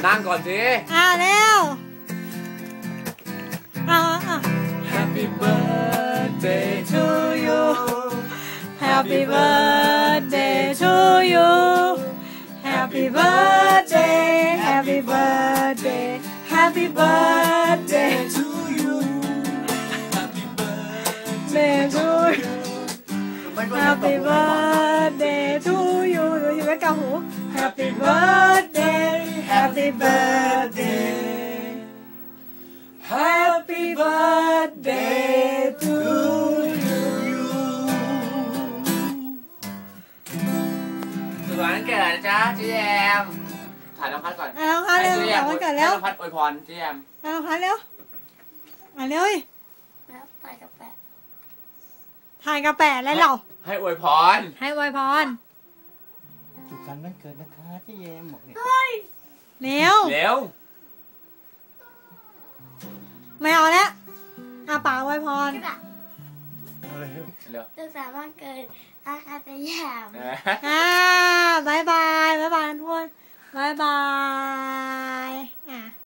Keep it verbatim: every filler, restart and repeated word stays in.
นั่งก่อนสิอ่าเร็วอ่าอ่า Happy birthday to you Happy birthday to you Happy birthday Happy birthday Happy birthday to you Happy birthday to you Happy birthday to you ดูอยู่ไม่เกาหู Happy birthday Happy birthday Happy birthday to you สุขสันต์วันเกิดนะจ๊ะเจมถ่ายน้องพัดก่อนอ่ะน้องพัดเร็วถ่ายวันเกิดเร็วน้องพัดอวยพรเจมอ่ะน้องพัดเร็วอ่ะเร็วแล้วถ่ายกับแปะถ่ายกับแปะแล้วเราให้อวยพรให้อวยพรสุขสันต์วันเกิดนะคะเจมบอกเนี่ยเร็วเร็วไม่เอาแล้วอาปากอวยพรเอาเลยเร็วสุขสันต์วันเกิดอาคาสยามอ่าบาย